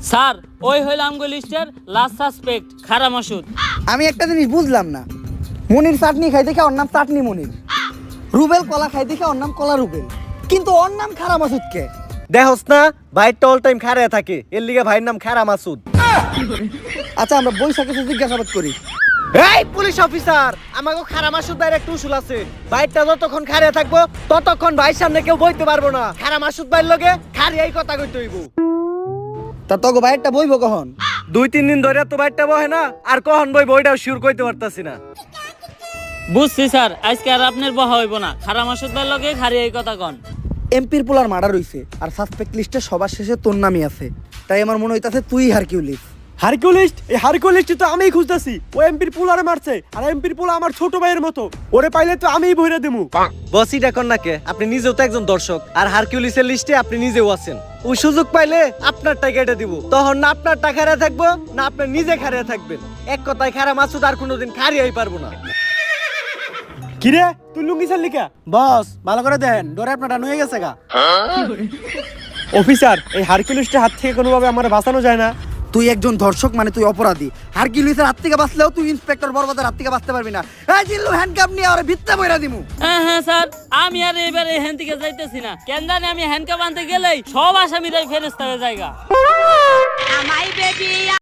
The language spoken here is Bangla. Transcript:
স্যার ওই হইল আমগো লিস্টের লাস্ট সাসপেক্ট খারা মাসুদ। আমি একটা জিনিস বুঝলাম না, মনির চাটনি খাই দেখে ওর নাম চাটনি মনির, রুবেল কলা খাই দেখে ওর নাম কলা রুবেল, কিন্তু ওর নাম খারা মাসুদ কে? দেখোস না ভাইটা অল টাইম খাড়ায় থাকে, এর লিগে ভাইয়ের নাম খারা মাসুদ। আচ্ছা আমরা বৈশাখে জিজ্ঞাসাবাদ করি। এই পুলিশ অফিসার, আমাকে খারা মাসুদ ভাইয়ের একটা উসুল আছে, ভাইটা যতক্ষণ খাড়ায় থাকবো ততক্ষণ ভাইয়ের সামনে কেউ বইতে পারবো না। খারা মাসুদ ভাইয়ের লগে খাড়িয়াই কথা কইতে হইব। তা তোকে বাইরটা বইব কখন? 2-3 দিন ধরে তো ভাইটা বহে না, আর কখন বইব ওইটাও শিওর কইতে পারতাছি না। বুঝছি স্যার, আজকে আর আপনার বহা হইব না, খারা মাসুদ ভাই লগে খারি এই কথা কন। এমপির পোলার মার্ডার হইছে আর সাসপেক্ট লিস্টে সবার শেষে তোর নামই আছে, তাই আমার মনে হইতাছে তুই হারকিউলিস। হারকিউলিস্ট? এই হারকিউলিস্ট তো আমিই খুঁজতাছি। ও এমপির পোলারে মারছে, আর এমপির পোলা আমার ছোট ভাইয়ের মতো, ওরে পাইলে তো আমিই বইরা দেবো। বসই ডাকন না কে, আপনি নিজেও তো একজন দর্শক, আর হারকিউলিসের লিস্টে আপনি নিজেও আছেন। ওই সুযোগ পাইলে আপনার টাকা এটা দিব, তখন না আপনার টাকা খাড়া থাকবো না আপনি নিজে খাড়া থাকবেন। এক কথায় খারা মাসুদ আর কোনোদিন খাড়িয়াই পারবো না। কিরে তুই লুঙ্গি ছাড়লি কা? বস ভালো করে দেন, ডরে আপনার ডান হয়ে গেছে গা। অফিসার, এই হারকিউলিস্টের হাত থেকে কোনোভাবে আমার বাঁচানো যায় না? তুই একজন ধর্ষক মানে তুই অপরাধী, হারকিউলিসের হাত থেকে বাঁচলেও তুই ইন্সপেক্টর বরবাদের হাত থেকে বাঁচতে পারবি না। এই জিল্লু হ্যান্ডকাপ নিয়ে ওরে ভিত্তে বইরা দিমু। হ্যাঁ হ্যাঁ স্যার, আমি আর এবারে এখান থেকে যাইতেছি না, কেন জানি আমি হ্যান্ডকাপ আনতে গেলেই সব আসামিরাই ফেরেস্তা হয়ে জায়গা।